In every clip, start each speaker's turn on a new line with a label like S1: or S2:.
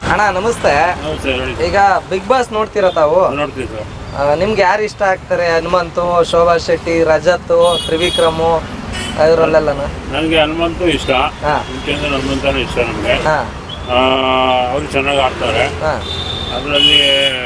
S1: ಅಣ್ಣ ನಮಸ್ತೆ. ಈಗ ಬಿಗ್ ಬಾಸ್ ನೋಡ್ತೀರಾ ತಾವು? ನಿಮ್ಗೆ ಯಾರು ಇಷ್ಟ ಆಗ್ತಾರೆ? ಹನುಮಂತು, ಶೋಭಾ ಶೆಟ್ಟಿ, ರಜತ್, ತ್ರಿವಿಕ್ರಮ್ ಇವರಲ್ಲೆಲ್ಲ?
S2: ನನಗೆ ಹನುಮಂತು ಇಷ್ಟ. ಹನುಮಂತನೂ ಇಷ್ಟ ನಮಗೆ. ಅವರು ಚೆನ್ನಾಗಿ ಆಡ್ತಾರೆ. ಅದರಲ್ಲಿ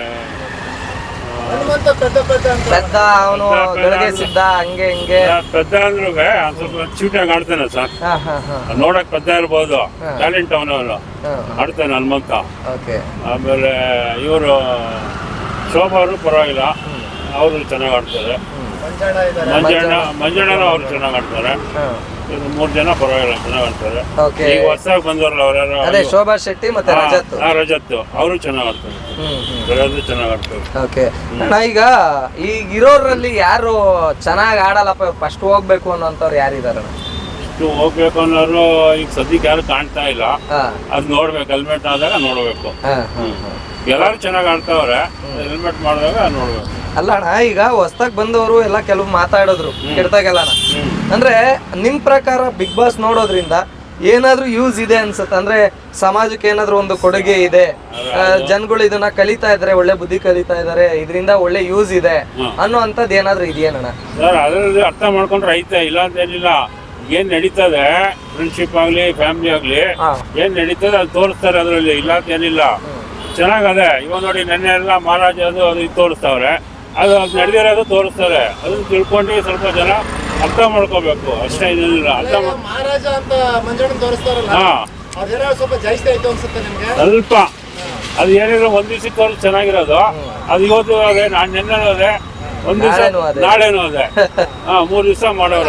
S1: ಪೆದ್ದ ಅವನು ಗಳಿಗೆ ಸಿದ್ಧ ಹಂಗೆ ಹಿಂಗೆ.
S2: ಪೆದ್ದ ಅಂದ್ರೂ ಸ್ವಲ್ಪ ಚೂಟಾಗಿ ಆಡ್ತಾನೆ ಸರ್. ನೋಡಕ್ ಪೆದ್ದ ಇರ್ಬೋದು, ಟ್ಯಾಲೆಂಟ್ ಅವನು ಆಡ್ತಾನೆ ಹನುಮಂತ. ಆಮೇಲೆ ಇವರು ಶೋಭಾ ಅವರು ಪರವಾಗಿಲ್ಲ, ಅವರು ಚೆನ್ನಾಗಿ ಆಡ್ತಾರೆ. ಮಂಜಣ್ಣ ಅವರು ಚೆನ್ನಾಗಿ ಆಡ್ತಾರೆ. 3 ಜನ ಪರವಾಗಿಲ್ಲ ಚೆನ್ನಾಗಿ ಆಡ್ತಾರೆ. ಈಗ ಹೊಸದಾಗಿ ಬಂದವರಲ್ಲ ಅವರೆಲ್ಲ,
S1: ಅದೇ ಶೋಭಾ ಶೆಟ್ಟಿ ಮತ್ತೆ
S2: ರಜತ್ ಅವರು ಚೆನ್ನಾಗಿ ಆಡ್ತಾರೆ. ಚೆನ್ನಾಗಿ ಆಡ್ತಾರೆ.
S1: ಈಗ ಇರೋರಲ್ಲಿ ಯಾರು ಚೆನ್ನಾಗಿ ಆಡಲ್ಲಪ್ಪ, ಫಸ್ಟ್ ಹೋಗ್ಬೇಕು ಅನ್ನೋಂಥವ್ರು ಯಾರಿದಾರ?
S2: ಹೋಗ್ಬೇಕು ಅನ್ನೋರು ಈಗ ಸದ್ಯಕ್ಕೆ ಯಾರು ಕಾಣ್ತಾ ಇಲ್ಲ. ಅದ್ ನೋಡ್ಬೇಕು, ಹೆಲ್ಮೆಟ್ ಆದಾಗ ನೋಡ್ಬೇಕು. ಎಲ್ಲಾರು ಚೆನ್ನಾಗಿ ಆಡ್ತಾವ್ರೆ, ಹೆಲ್ಮೆಟ್ ಮಾಡಿದಾಗ ನೋಡ್ಬೇಕು.
S1: ಅಲ್ಲ ಅಣ್ಣ, ಈಗ ಹೊಸ್ದಾಗ್ ಬಂದವರು ಎಲ್ಲ ಕೆಲವು ಮಾತಾಡಿದ್ರು ಕೆಡ್ತಾಗೆಲ್ಲಣ. ಅಂದ್ರೆ ನಿಮ್ ಪ್ರಕಾರ ಬಿಗ್ ಬಾಸ್ ನೋಡೋದ್ರಿಂದ ಏನಾದ್ರೂ ಯೂಸ್ ಇದೆ ಅನ್ಸುತ್ತೆ? ಅಂದ್ರೆ ಸಮಾಜಕ್ಕೆ ಏನಾದ್ರೂ ಒಂದು ಕೊಡುಗೆ ಇದೆ, ಜನಗಳು ಇದನ್ನ ಕಲಿತಾ ಇದಾರೆ, ಒಳ್ಳೆ ಬುದ್ಧಿ ಕಲಿತಾ ಇದಾರೆ, ಇದರಿಂದ ಒಳ್ಳೆ ಯೂಸ್ ಇದೆ ಅನ್ನೋ ಅಂತದ್ ಏನಾದ್ರೂ ಇದೆಯೇನಣ್ಣ?
S2: ಸರ್ ಅದ್ರಲ್ಲಿ ಅರ್ಥ ಮಾಡ್ಕೊಂಡ್ರೆ ಐತೆ, ಇಲ್ಲ ಅಂತ ಏನಿಲ್ಲ. ಏನ್ ನಡೀತದೆ, ಫ್ರೆಂಡ್ಶಿಪ್ ಆಗ್ಲಿ ಫ್ಯಾಮಿಲಿ ಆಗ್ಲಿ, ಏನ್ ನಡೀತದೆ ಅದು ತೋರಿಸ್ತಾರೆ ಅದ್ರಲ್ಲಿ, ಇಲ್ಲ ಅಂತ ಏನಿಲ್ಲ. ಚೆನ್ನಾಗದೆ. ಇವಾಗ ನೋಡಿ ನೆನ್ನೆ ಎಲ್ಲ ಮಹಾರಾಜ ಅದು ಇದು ತೋರಿಸ್ತಾವ್ರೆ, ಅದು ನಡೆದಿರೋದು ತೋರಿಸ್ತಾರೆ. ಅದನ್ನ ತಿಳ್ಕೊಂಡು ಸ್ವಲ್ಪ ಜನ ಅರ್ಥ ಮಾಡ್ಕೋಬೇಕು ಅಷ್ಟೇ, ಏನಿಲ್ಲ. ಅರ್ಥ
S3: ಮಹಾರಾಜ ಅಂತ ಮಂಜಣ್ಣ ತೋರಿಸ್ತಾರಲ್ಲ, ಸ್ವಲ್ಪ ಜಾಸ್ತಿ ಆಯ್ತು ಅನ್ಸುತ್ತೆ ನಿಮ್ಗೆ?
S2: ಸ್ವಲ್ಪ ಅದು ಏನಿದ್ರು ಒಂದ್ ದಿವಸಕ್ಕೆ ತೋರಿಸ್ ಚೆನ್ನಾಗಿರೋದು, ಅದು ಇವತ್ತು ಅದೇ, ನಾನು ನೆನ್ನೆ ಅದೇ, ಒಂದ್ ದಿವಸ ನಾಳೆನೂ ಅದೇ. 3 ದಿವಸ ಮಾಡೋರು.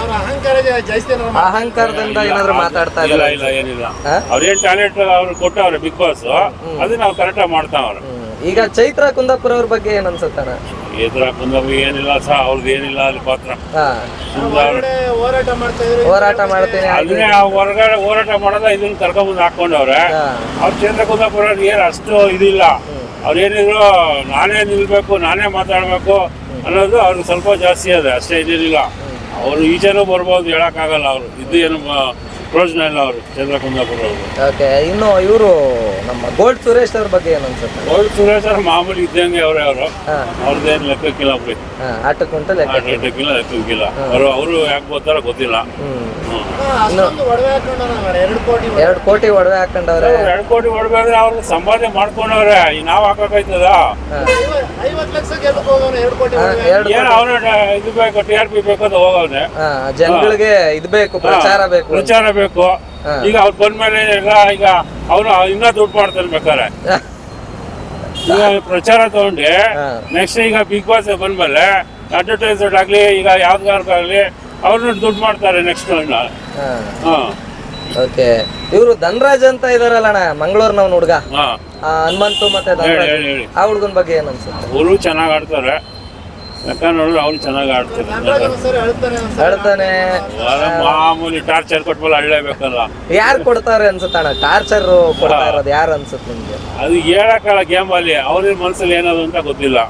S1: ಅಹಂಕಾರದಿಂದ ಏನಾದ್ರು ಮಾತಾಡ್ತಾ
S2: ಇಲ್ಲ ಏನಿಲ್ಲ. ಅವ್ರೇನ್ ಟ್ಯಾಲೆಂಟ್ ಅವ್ರು ಕೊಟ್ಟವ್ರೆ ಬಿಗ್ ಬಾಸ್, ಅದನ್ನ ನಾವು ಕರೆಕ್ಟಾಗಿ ಮಾಡ್ತಾವ್ರೆ.
S1: ಈಗ ಚೈತ್ರ ಕುಂದಾಪುರ ಅವ್ರ ಬಗ್ಗೆ ಏನ್ ಅನ್ಸುತ್ತಣ್ಣ?
S2: ಚೈತ್ರ ಕುಂದಾಪುರ ಏನಿಲ್ಲ ಸಹ, ಅವ್ರದ್ದು ಏನಿಲ್ಲ ಅಲ್ಲಿ ಪಾತ್ರ.
S1: ಹೋರಾಟ ಮಾಡ್ತೀನಿ
S2: ಅದನ್ನೇ ಹೊರಗಡೆ ಹೋರಾಟ ಮಾಡೋದ, ಇದನ್ನ ಕರ್ಕೊಂಡ್ಬಂದು ಹಾಕೊಂಡವ್ರೆ. ಅವ್ರ ಚೈತ್ರ ಕುಂದಾಪುರ ಏನ್ ಅಷ್ಟು ಇದಿಲ್ಲ. ಅವ್ರೇನಿದ್ರು ನಾನೇ ನಿಲ್ಬೇಕು, ನಾನೇ ಮಾತಾಡ್ಬೇಕು ಅನ್ನೋದು ಅವ್ರಿಗೆ ಸ್ವಲ್ಪ ಜಾಸ್ತಿ ಅದೇ, ಅಷ್ಟೇ ಇದಿಲ್ಲ. ಅವರು ಈಚೆನೂ ಬರ್ಬೋದು, ಹೇಳಕ್ಕಾಗಲ್ಲ. ಅವರು ಇದು ಏನು ಪ್ರಯೋಜನ ಇಲ್ಲ ಅವರು ಚಂದ್ರ ಕುಂದಾಪುರ ಅವರು.
S1: ಇನ್ನು ಇವರು ನಮ್ಮ ಗೋಲ್ಡ್ ಸುರೇಶ್ ಅವ್ರ ಬಗ್ಗೆ ಏನು ಅನ್ಸುತ್ತೆ?
S2: ಗೋಲ್ಡ್ ಸುರೇಶ್ ಅವ್ರ ಮಾಮೂಲಿ ಇದ್ದಂಗೆ ಅವರು ಅವ್ರದ್ದೇನು ಲೆಕ್ಕಕ್ಕಿಲ್ಲ ಬಿಡಿ.
S1: ಆಟಕ್ಕುಂಟು
S2: ಲೆಕ್ಕಕ್ಕಿಲ್ಲ. ಅವರು ಯಾಕೆ ಬರ್ತಾರೋ ಗೊತ್ತಿಲ್ಲ.
S1: 2 ಕೋಟಿ ಒಡವೆ ಹಾಕೊಂಡವ್ರೆ.
S2: 2 ಕೋಟಿ ಒಡವೆ ಅಂದ್ರೆ ಅವ್ರಿಗೆ ಸಂಪಾದನೆ ಮಾಡ್ಕೊಂಡವ್ರೆ. ನಾವ್ ಹಾಕಕ್ಕಾಯ್ತದ? ಏನು ಅವನು ಇದು ಬೇಕು, TRP ಬೇಕು ಅಂತ ಹೋಗವ್ನೆ.
S1: ಜನಗಳಿಗೆ ಇದು ಬೇಕು, ಪ್ರಚಾರ
S2: ಬೇಕು. ಈಗ ಅವ್ರು ಬಂದ್ಮೇಲೆ ಎಲ್ಲ ಈಗ ಅವನು ಇನ್ನ ದುಡ್ಡು ಮಾಡ್ತಾನೆ ಬೇಕಾರೆ. ಈಗ ಪ್ರಚಾರ ತಗೊಂಡು ನೆಕ್ಸ್ಟ್ ಈಗ ಬಿಗ್ ಬಾಸ್ ಬಂದ್ಮೇಲೆ ಅಡ್ವರ್ಟೈಸ್ಮೆಂಟ್ ಆಗ್ಲಿ, ಈಗ ಯಾವ್ದಾರ್ಗಾಗ್ಲಿ ಅವ್ರನ್ನ ದುಡ್ಡು ಮಾಡ್ತಾರೆ ನೆಕ್ಸ್ಟ್.
S1: ಇವರು ಧನರಾಜ್ ಅಂತ ಇದಾರಲ್ಲಣ್ಣ, ಮಂಗಳೂರಿನವ್ನ ಹುಡುಗ, ಹನುಮಂತು ಮತ್ತೆ ಆ ಹುಡುಗನ ಬಗ್ಗೆ ಏನ್ ಅನ್ಸುತ್ತೆ?
S2: ಅವರು ಚೆನ್ನಾಗಿ ಆಡ್ತಾರೆ. ಲೆಕ್ಕ ನೋಡಿದ್ರೆ ಅವ್ರು ಚೆನ್ನಾಗಿ
S1: ಆಡ್ತಾನೆ.
S2: ಮಾಮೂಲಿ ಟಾರ್ಚರ್ ಕೊಟ್ಮೇಲೆ ಅಳ್ಳೇಬೇಕಲ್ಲ.
S1: ಯಾರು ಕೊಡ್ತಾರೆ ಅನ್ಸುತ್ತಣ್ಣ ಟಾರ್ಚರ್ ಕೊಡ್ತಾ ಇರೋದು? ಯಾರು ಅನ್ಸುತ್ತೆ ನಿಮ್ಗೆ?
S2: ಅದು ಹೇಳಕ್ಕಲ್ಲ, ಗೇಮ್ ಅಲ್ಲಿ ಅವ್ರ ಮನ್ಸಲ್ಲಿ ಏನದು ಅಂತ ಗೊತ್ತಿಲ್ಲ.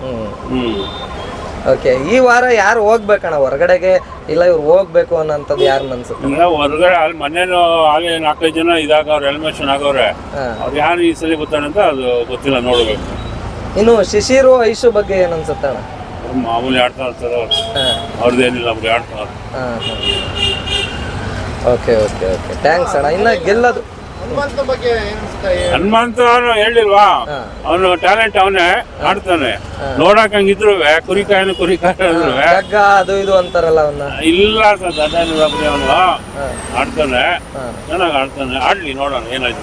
S1: ಈ ವಾರ ಯಾರು ಹೋಗ್ಬೇಕಣ್ಣ ಹೊರಗಡೆಗೆ? ಇಲ್ಲ ಇವ್ರು ಹೋಗ್ಬೇಕು ಅನ್ನೋಂಥದ್ದು ಯಾರು ಅನ್ಸುತ್ತೆ?
S2: ಇಲ್ಲ ಹೊರಗಡೆ ಅಲ್ಲಿ ಮನೇನು ಆಗಲೇ 4-5 ಜನ ಇದಾಗವ್ರೆ, ಎಲಿಮಿನೇಷನ್ ಆಗವ್ರೆ. ಅವ್ರು ಯಾರು ಈ ಸಲ ಗೊತ್ತಾನೆ ಅಂತ ಅದು ಗೊತ್ತಿಲ್ಲ, ನೋಡ್ಬೇಕು.
S1: ಇನ್ನು ಶಿಶಿರು ಐಶು ಬಗ್ಗೆ ಏನ್ ಅನ್ಸುತ್ತಣ್ಣ?
S2: ಮಾಮೂಲಿ ಆಡ್ತಾ ಇರ್ತಾರೆ ಅವ್ರದ್ದೇನಿಲ್ಲ, ಅವ್ರಿಗೆ ಆಡ್ತಾರೆ.
S1: ಓಕೆ ಥ್ಯಾಂಕ್ಸ್ ಅಣ್ಣ. ಇನ್ನ ಗೆಲ್ಲದು
S2: ಹನುಮಂತ ಅವನು ಹೇಳಿಲ್ವಾ, ಅವನು ಟ್ಯಾಲೆಂಟ್ ಅವನೇ, ಆಡ್ತಾನೆ. ನೋಡಕ್ ಹಂಗಿದ್ರು ಕುರಿಕಾಯಿ
S1: ಅದು ಇದು ಅಂತಾರಲ್ಲ ಅವನ್ನ.
S2: ಇಲ್ಲ ಸರ್, ಅವನು ಆಡ್ತಾನೆ, ಚೆನ್ನಾಗಿ ಆಡ್ತಾನೆ. ಆಡ್ಲಿ, ನೋಡೋಣ ಏನಾಯ್ತು.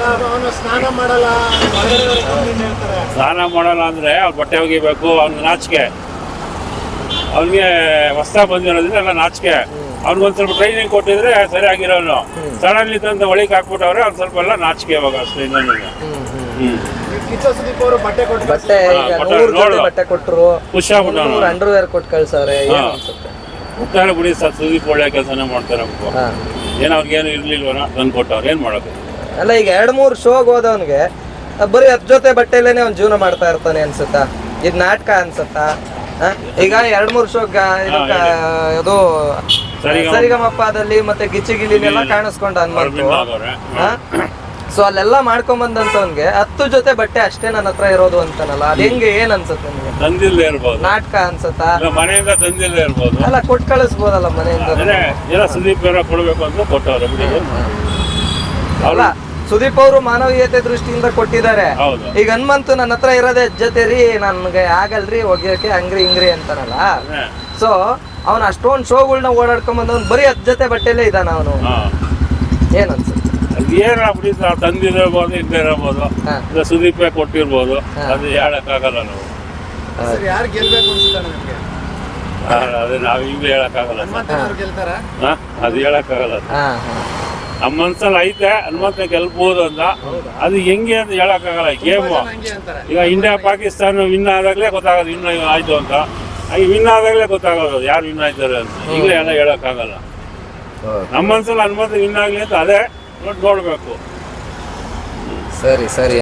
S2: ಸ್ನಾನ ಮಾಡಲ್ಲ ಅಂದ್ರೆ ಅವ್ರ ಬಟ್ಟೆ ಒಗಿಬೇಕು, ಅವ್ನಿಗೆ ನಾಚಿಕೆ. ಅವ್ನಿಗೆ ಹೊಸ್ದಾಗಿ ಬಂದಿರೋದ್ರಿಂದ ಎಲ್ಲ ನಾಚಿಕೆ. ಅವ್ನಿಗೊಂದ್ ಸ್ವಲ್ಪ ಟ್ರೈನಿಂಗ್ ಕೊಟ್ಟಿದ್ರೆ ಸರಿಯಾಗಿರೋನು. ಸಡನ್ಲಿ ತಂದು ಒಳಗೆ ಹಾಕ್ಬಿಟ್ಟವ್ರೆ, ಅವ್ನು ಸ್ವಲ್ಪ ಎಲ್ಲ ನಾಚಿಕೆ ಇವಾಗ ಅಷ್ಟೇ.
S1: ಬಟ್ಟೆ ಕೊಟ್ಟರು, ಅಂಡರ್ವೇರ್ ಕೊಟ್ಟು ಕಳ್ಸವ್ರೆ.
S2: ಮುಟ್ಟಾರೆ ಬಿಡಿ ಸರ್, ಸುದೀಪ್ ಒಳ್ಳೆ ಕೆಲಸನೇ ಮಾಡ್ತಾರೆ. ಏನ್ ಅವ್ರಿಗೇನು ಇರ್ಲಿಲ್ವನ ತಂದು ಕೊಟ್ಟವ್ರು, ಏನ್ ಮಾಡೋದು?
S1: ಅಲ್ಲ ಈಗ 2-3 ಶೋಗ್ ಹೋದವನ್ಗೆ ಬರೀ 10 ಜೊತೆ ಬಟ್ಟೆಲೇನೆ ಅವ್ನು ಜೀವನ ಮಾಡ್ತಾ ಇರ್ತಾನೆ ಅನ್ಸುತ್ತಾ? ಇದು ನಾಟಕ ಅನ್ಸುತ್ತಾ? ಈಗ 2-3 ಶೋ ಇದು ಸರಿಗಮಪ್ಪದಲ್ಲಿ ಮತ್ತೆ ಗಿಚ್ಚಿ ಗಿಲಿನೆಲ್ಲ ಕಾಣಿಸ್ಕೊಂಡ ಹನುಮಂತು. ಸೊ ಅಲ್ಲೆಲ್ಲ ಮಾಡ್ಕೊಂಬಂದಂತವನ್ಗೆ 10 ಜೊತೆ ಬಟ್ಟೆ ಅಷ್ಟೇ ನನ್ನ ಹತ್ರ ಇರೋದು ಅಂತಾನಲ್ಲ ಅದ್ ಹೆಂಗೆ ಏನ್ ಅನ್ಸುತ್ತೆ ನಿಮ್ಗೆ?
S2: ತಂದಿಲ್ಲದೆ ಇರ್ಬೋದು,
S1: ನಾಟಕ ಅನ್ಸತ್ತಾ?
S2: ಇಲ್ಲ ಮನೆಯಿಂದ ತಂದಿಲ್ಲದೆ ಇರ್ಬೋದು.
S1: ಅಲ್ಲ ಕೊಟ್ಟು ಕಳಿಸ್ಬೋದಲ್ಲ ಮನೆಯಿಂದ.
S2: ಅಂದ್ರೆ ಎಲ್ಲ ಸುದೀಪ್ ಅವರ ಕೊಡ್ಬೇಕು ಅಂತ ಕೊಟ್ಟವ್ರೆ ಬಿಡಿ.
S1: ಅಲ್ಲ ಸುದೀಪ್ ಅವರು ಮಾನವೀಯತೆ ದೃಷ್ಟಿಯಿಂದ ಕೊಟ್ಟಿದ್ದಾರೆ.
S2: ಹೌದು.
S1: ಈಗ ಹನುಮಂತು ನನ್ನ ಹತ್ರ ಇರೋದೇ ಜೊತೆ ರೀ, ನನ್ಗೆ ಆಗಲ್ರಿ ಒಗ್ಯಕ್ಕೆ ಹಂಗ್ರಿ ಹಿಂಗ್ರಿ ಅಂತಾನಲ್ಲ. ಸೊ ಅವ್ನ ಅಷ್ಟೊಂದು ಶೋಗಳನ್ನ ಓಡಾಡ್ಕೊಂಡ್ ಬಂದವ್ನು ಬರೀ 10 ಜೊತೆ ಬಟ್ಟೆಲೇ ಇದ್ದಾನ ಅವನು. ಏನ್ ಅನ್ಸುತ್ತೆ?
S2: ಏನಾಗ್ಬಿಡಿ ತಂದಿರಬಹುದು, ಇಲ್ಲದೆ ಇರಬಹುದು, ಇಲ್ಲ ಸುದೀಪೇ ಕೊಟ್ಟಿರ್ಬೋದು, ಅದು ಹೇಳಕ್ಕಾಗಲ್ಲ ನಾವು.
S3: ಸರ್ ಯಾರು ಗೆಲ್ಬೇಕು ಅನ್ಸುತ್ತಾನೆ ನಿಮ್ಗೆ?
S2: ಅದೇ ನಾವ್ ಹಿಂಗೆ ಹೇಳಕ್ಕಾಗಲ್ಲ.
S3: ಹನುಮಂತನವ್ರು ಗೆಲ್ತಾರ?
S2: ಅದು ಹೇಳಕ್ಕಾಗಲ್ಲ. ನಮ್ಮ ಮನ್ಸಲ್ಲಿ ಐತೆ ಹನುಮಂತ ಗೆಲ್ಬಹುದು ಅಂತ, ಅದು ಹೆಂಗೆ ಅಂತ ಹೇಳಕ್ಕಾಗಲ್ಲ. ಗೇಮ್
S3: ಹಂಗೆ ಅಂತಾರೆ.
S2: ಈಗ ಇಂಡಿಯಾ ಪಾಕಿಸ್ತಾನ ವಿನ್ ಆದಾಗ್ಲೇ ಗೊತ್ತಾಗೋದು ಇನ್ನು ಆಯ್ತು ಅಂತ. ಈಗ ವಿನ್ ಆದಾಗ್ಲೇ ಗೊತ್ತಾಗೋದು ಯಾರು ವಿನ್ ಆಯ್ತಾರೆ ಅಂತ. ಈಗಲೇ ಎಲ್ಲ ಹೇಳಕ್ಕಾಗಲ್ಲ. ನಮ್ಮ ಮನ್ಸಲ್ಲಿ ಹನುಮಂತ ವಿನ್ ಆಗ್ಲಿ ಅಂತ ಅದೇ ನೋಡ್ಬೇಕು.
S1: ಸರಿ ಸರಿ.